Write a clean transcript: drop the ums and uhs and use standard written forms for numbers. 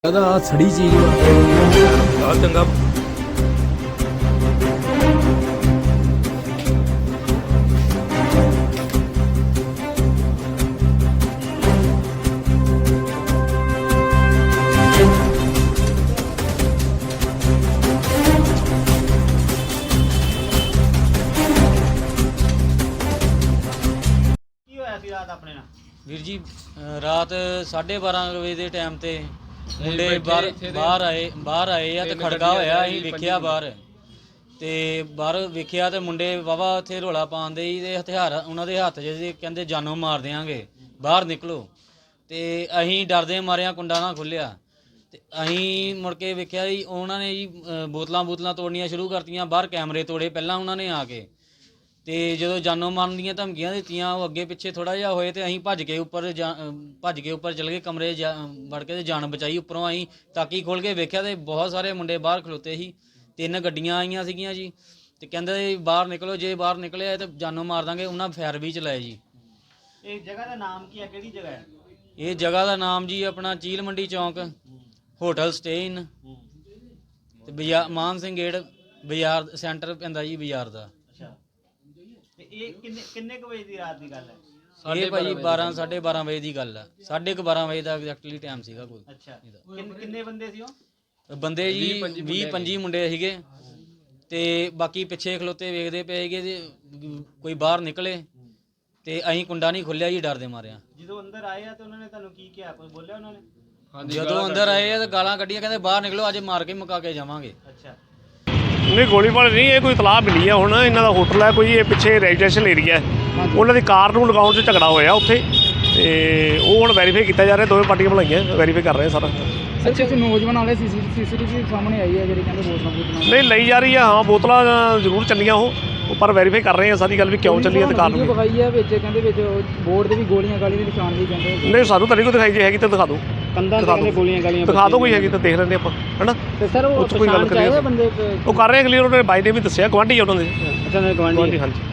ਸੜੀ ਚੀਜ਼ ਆ ਚੰਗਾ ਵੀਰ ਜੀ ਰਾਤ 12:30 ਵਜੇ ਦੇ ਟਾਈਮ ਤੇ ਮੁੰਡੇ ਬਾਹਰ ਆਏ ਆ ਤੇ ਖੜਕਾ ਹੋਇਆ। ਅਸੀਂ ਵੇਖਿਆ ਬਾਹਰ ਵੇਖਿਆ ਤੇ ਮੁੰਡੇ ਵਾਵਾ ਉੱਥੇ ਰੌਲਾ ਪਾਉਂਦੇ ਸੀ ਤੇ ਹਥਿਆਰ ਉਹਨਾਂ ਦੇ ਹੱਥ 'ਚ ਕਹਿੰਦੇ ਜਾਨੋਂ ਮਾਰ ਦਿਆਂਗੇ, ਬਾਹਰ ਨਿਕਲੋ। ਤੇ ਅਸੀਂ ਡਰਦੇ ਮਾਰਿਆਂ ਕੁੰਡਾ ਨਾ ਖੁੱਲਿਆ ਤੇ ਅਸੀਂ ਮੁੜ ਕੇ ਵੇਖਿਆ ਜੀ ਉਹਨਾਂ ਨੇ ਜੀ ਬੋਤਲਾਂ ਤੋੜਨੀਆਂ ਸ਼ੁਰੂ ਕਰਤੀਆਂ। ਬਾਹਰ ਕੈਮਰੇ ਤੋੜੇ ਪਹਿਲਾਂ ਉਹਨਾਂ ਨੇ ਆ ਕੇ, ਤੇ ਜਦੋਂ ਜਾਨੋਂ ਮਾਰਨ ਦੀਆਂ ਧਮਕੀਆਂ ਦਿੱਤੀਆਂ ਉਹ ਅੱਗੇ ਪਿੱਛੇ ਥੋੜਾ ਜਿਹਾ ਹੋਏ ਤੇ ਅਸੀਂ ਭੱਜ ਕੇ ਉੱਪਰ ਚਲ ਗਏ ਕਮਰੇ ਵੜ ਕੇ ਤੇ ਜਾਨ ਬਚਾਈ। ਉੱਪਰੋਂ ਅਸੀਂ ਤਾਕੀ ਖੋਲ ਕੇ ਵੇਖਿਆ ਤੇ ਬਹੁਤ ਸਾਰੇ ਮੁੰਡੇ ਬਾਹਰ ਖਲੋਤੇ ਸੀ। 3 ਗੱਡੀਆਂ ਆਈਆਂ ਸੀਗੀਆਂ ਜੀ ਤੇ ਕਹਿੰਦੇ ਬਾਹਰ ਨਿਕਲੋ, ਜੇ ਬਾਹਰ ਨਿਕਲਿਆ ਤੇ ਜਾਨੋਂ ਮਾਰ ਦਾਂਗੇ। ਉਹਨਾਂ ਫਾਇਰ ਵੀ ਚਲਾਏ ਜੀ। ਇਹ ਜਗ੍ਹਾ ਦਾ ਨਾਮ ਕੀ ਹੈ, ਕਿਹੜੀ ਜਗ੍ਹਾ ਹੈ? ਇਹ ਜਗ੍ਹਾ ਦਾ ਨਾਮ ਜੀ ਆਪਣਾ ਚੀਲ ਮੰਡੀ ਚੌਂਕ, ਹੋਟਲ ਸਟੇਨ ਤੇ ਮਾਨ ਸਿੰਘ ਗੇਟ ਬਾਜ਼ਾਰ ਸੈਂਟਰ ਪੈਂਦਾ ਜੀ ਬਾਜ਼ਾਰ ਦਾ। ਇਹ ਕਿੰਨੇ ਕੁ ਵਜੇ ਦੀ ਰਾਤ ਦੀ ਗੱਲ ਹੈ? ਇਹ ਭਾਜੀ 12:30 ਵਜੇ ਦੀ ਗੱਲ ਆ। 12:30 ਵਜੇ ਦਾ ਐਗਜ਼ੈਕਟਲੀ ਟਾਈਮ ਸੀਗਾ ਕੋਈ। ਅੱਛਾ, ਕਿੰਨੇ ਬੰਦੇ ਸੀ ਉਹ? ਬੰਦੇ ਜੀ 20-25 ਮੁੰਡੇ ਸੀਗੇ ਤੇ ਬਾਕੀ ਪਿੱਛੇ ਖਲੋਤੇ ਵੇਖਦੇ ਪਏ ਸੀਗੇ ਤੇ ਕੋਈ ਬਾਹਰ ਨਿਕਲੇ ਤੇ ਅਸੀਂ ਕੁੰਡਾ ਨਹੀਂ ਖੁੱਲਿਆ ਜੀ ਡਰਦੇ ਮਾਰਿਆ। ਜਦੋਂ ਅੰਦਰ ਆਏ ਆ ਤੇ ਉਹਨਾਂ ਨੇ ਤੁਹਾਨੂੰ ਕੀ ਕਿਹਾ, ਕੋਈ ਬੋਲਿਆ ਉਹਨਾਂ ਨੇ? ਜਦੋਂ ਅੰਦਰ ਆਏ ਆ ਤੇ ਗਾਲਾਂ ਕੱਢੀਆਂ, ਕਹਿੰਦੇ ਬਾਹਰ ਨਿਕਲੋ, ਅੱਜ ਮਾਰ ਕੇ ਮੁਕਾ ਕੇ ਜਾਵਾਂਗੇ। ਅੱਛਾ, ਨਹੀਂ ਗੋਲੀਬਾਰੀ ਨਹੀਂ, ਇਹ ਕੋਈ ਇਤਲਾਹ ਮਿਲੀ ਆ। ਹੁਣ ਇਹਨਾਂ ਦਾ ਹੋਟਲ ਹੈ ਕੋਈ, ਇਹ ਪਿੱਛੇ ਰੈਜ਼ੀਡੈਂਸ਼ੀਅਲ ਏਰੀਆ ਹੈ, ਉਹਨਾਂ ਦੀ ਕਾਰ ਨੂੰ ਲਗਾਉਣ 'ਚ ਝਗੜਾ ਹੋਇਆ ਉੱਥੇ ਤੇ ਉਹ ਹੁਣ ਵੈਰੀਫਾਈ ਕੀਤਾ ਜਾ ਰਿਹਾ। ਦੋਵੇਂ ਪਾਰਟੀਆਂ ਬਣਾਈਆਂ, ਵੈਰੀਫਾਈ ਕਰ ਰਹੇ ਸਾਰਾ। ਅੱਛਾ, ਕੁਝ ਨੌਜਵਾਨ ਵਾਲੇ ਸੀਸੀਟੀਵੀ ਸਾਹਮਣੇ ਆਈ ਹੈ ਜਿਹੜੀ ਕਹਿੰਦੇ ਬੋਤਲਾਂ ਨਹੀਂ ਲਈ ਜਾ ਰਹੀ ਆ। ਹਾਂ ਬੋਤਲਾਂ ਜ਼ਰੂਰ ਚੱਲੀਆਂ ਉਹ ਪਰ ਵੈਰੀਫਾਈ ਕਰ ਰਹੇ ਆ ਸਾਰੀ ਗੱਲ ਵੀ ਕਿਉਂ ਚੱਲੀ ਹੈ ਤੇ ਕਾਰਨ ਵਿਖਾਈ ਹੈ ਵਿੱਚ, ਕਹਿੰਦੇ ਵਿੱਚ ਬੋਰਡ ਦੇ ਵੀ ਗੋਲੀਆਂ ਗਾਲੀਆਂ ਦੇ ਨਿਸ਼ਾਨ ਵੀ ਕਹਿੰਦੇ। ਨਹੀਂ ਸਾਨੂੰ ਤਾਂ ਨਹੀਂ ਕੋਈ ਦਿਖਾਈ, ਜੇ ਹੈਗੀ ਤਾਂ ਦਿਖਾ ਦਿਓ। ਕੰਧਾਂ ਤੇ ਗੋਲੀਆਂ ਗਾਲੀਆਂ ਦਿਖਾ ਦਿਓ, ਕੋਈ ਹੈਗੀ ਤਾਂ ਦੇਖ ਲੈਂਦੇ ਆਪਾਂ, ਹੈਨਾ। ਤੇ ਸਰ ਉਹ ਕੋਈ ਗੱਲ ਕਰੀਏ, ਬੰਦੇ ਉਹ ਕਰ ਰਹੇ ਕਲੀਅਰ। ਉਹਨੇ ਬਾਈ ਨੇ ਵੀ ਦੱਸਿਆ, ਗੁਆਂਢੀ ਆ ਉਹਨਾਂ ਦੇ। ਅੱਛਾ, ਗਵਾਂਢੀ। ਹਾਂਜੀ।